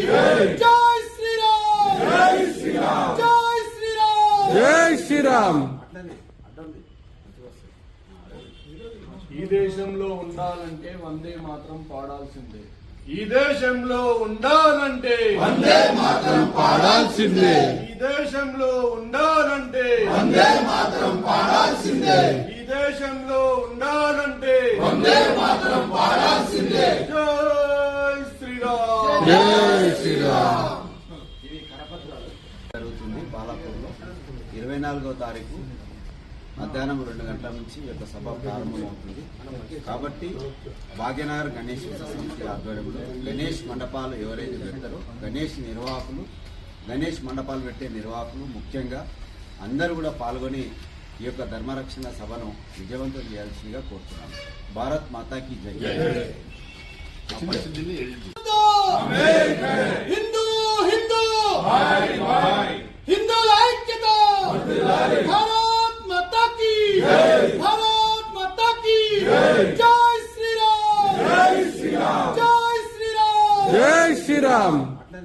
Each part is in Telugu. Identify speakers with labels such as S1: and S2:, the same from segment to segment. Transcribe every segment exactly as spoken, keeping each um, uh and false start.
S1: జై శ్రీరామ్ జై శ్రీరామ్ జై శ్రీరామ్
S2: జై శ్రీరామ్.
S3: ఈ దేశంలో ఉండాలంటే వందే మాత్రం పాడాల్సిందే. ఈ దేశంలో ఉండాలంటే
S2: వందే మాత్రం పాడాల్సిందే.
S3: ఈ దేశంలో ఉండాలంటే
S2: వందే మాత్రం పాడాల్సిందే.
S3: ఈ దేశంలో ఉండాలంటే
S2: వందే మాత్రం పాడాల్సిందే.
S3: జై శ్రీరామ్
S2: జై శ్రీరామ్.
S4: ఇది కరపత్రాలు జరుగుతుంది బాలాపూర్లో ఇరవై నాలుగో తారీఖు మధ్యాహ్నం రెండు గంటల నుంచి ఈ యొక్క సభ ప్రారంభమవుతుంది. కాబట్టి భాగ్యనగర్ గణేష్ సమితి ఆధ్వర్యంలో గణేష్ మండపాలు ఎవరైతే పెడతారో గణేష్ నిర్వాహకులు గణేష్ మండపాలు పెట్టే నిర్వాహకులు ముఖ్యంగా అందరూ కూడా పాల్గొని ఈ యొక్క ధర్మరక్షణ సభను విజయవంతం చేయాల్సిందిగా కోరుతున్నాను. భారత్ మాతాకి జై.
S1: హిందూ హిందూ హిందువుల ఐక్యత. భారత్ మాతా కీ భారత్ మాతా కీ జై శ్రీరామ్ జై శ్రీరామ్ జై శ్రీరామ్
S2: జై శ్రీరామ్.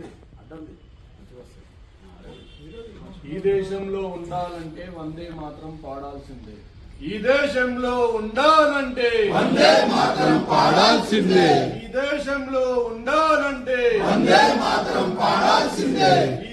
S3: ఈ దేశంలో ఉండాలంటే వందే మాత్రం పాడాల్సిందే. ఈ దేశంలో ఉండాలంటే
S2: వందే మాత్రం పాడాల్సిందే.
S3: ఈ దేశంలో ఉండాలంటే
S2: వందే మాత్రం పాడాల్సిందే.
S3: ఈ